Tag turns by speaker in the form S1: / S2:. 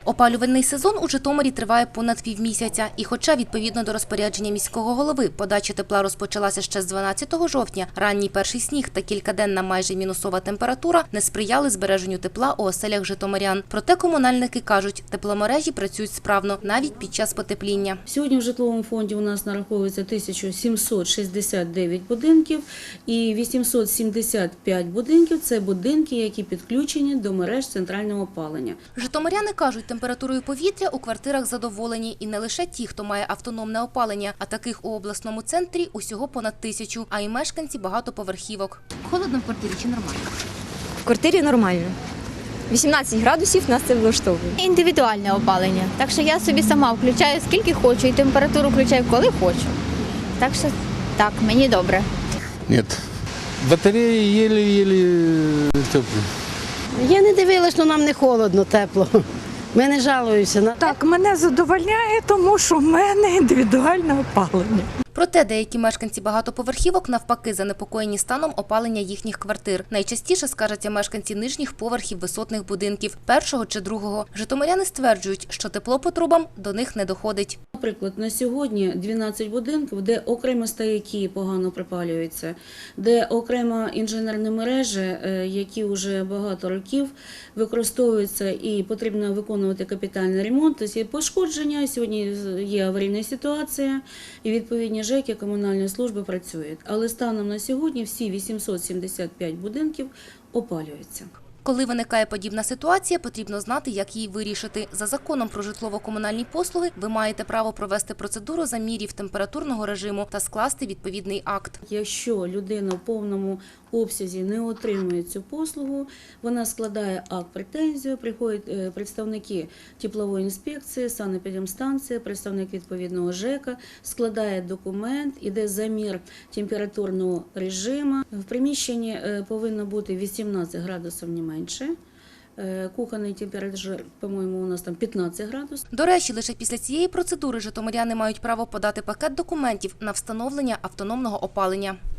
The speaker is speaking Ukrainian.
S1: Опалювальний сезон у Житомирі триває понад півмісяця. І хоча, відповідно до розпорядження міського голови, подача тепла розпочалася ще з 12 жовтня, ранній перший сніг та кількаденна майже мінусова температура не сприяли збереженню тепла у оселях житомирян. Проте комунальники кажуть, тепломережі працюють справно навіть під час потепління.
S2: Сьогодні в житловому фонді у нас нараховується 1769 будинків і 875 будинків – це будинки, які підключені до мереж центрального опалення.
S1: Житомиряни кажуть, температурою повітря у квартирах задоволені. І не лише ті, хто має автономне опалення, а таких у обласному центрі усього понад 1000, а й мешканці багатоповерхівок. Холодно в квартирі чи нормально?
S3: В квартирі нормально. 18 градусів нас це влаштовує.
S4: Індивідуальне опалення. Так що я собі сама включаю скільки хочу і температуру включаю коли хочу. Так що так, мені добре.
S5: Нет. Батареї еле-еле теплі.
S6: Я не дивилась, але нам не холодно, тепло. Ми не жалуємося.
S7: Так, мене задовольняє, тому що в мене індивідуальне опалення.
S1: Проте деякі мешканці багатоповерхівок навпаки занепокоєні станом опалення їхніх квартир. Найчастіше скаржаться мешканці нижніх поверхів висотних будинків, першого чи другого. Житомиряни стверджують, що тепло по трубам до них не доходить.
S2: Наприклад, на сьогодні 12 будинків, де окремо стояки погано припалюються, де окремо інженерні мережі, які вже багато років використовуються і потрібно виконувати капітальний ремонт. Тобто є пошкодження, сьогодні є аварійна ситуація і відповідні ЖЕКи, комунальні служби працюють. Але станом на сьогодні всі 875 будинків опалюються.
S1: Коли виникає подібна ситуація, потрібно знати, як її вирішити. За законом про житлово-комунальні послуги ви маєте право провести процедуру замірів температурного режиму та скласти відповідний акт.
S2: Якщо людина в повному обсязі не отримує цю послугу, вона складає акт претензію, приходять представники теплової інспекції, санепідемстанції, представник відповідного ЖЕКа, складає документ, іде замір температурного режиму. В приміщенні повинно бути 18 градусів не менше. Кухонний температура, по-моєму, у нас там 15 градусів.
S1: До речі, лише після цієї процедури житомиряни мають право подати пакет документів на встановлення автономного опалення.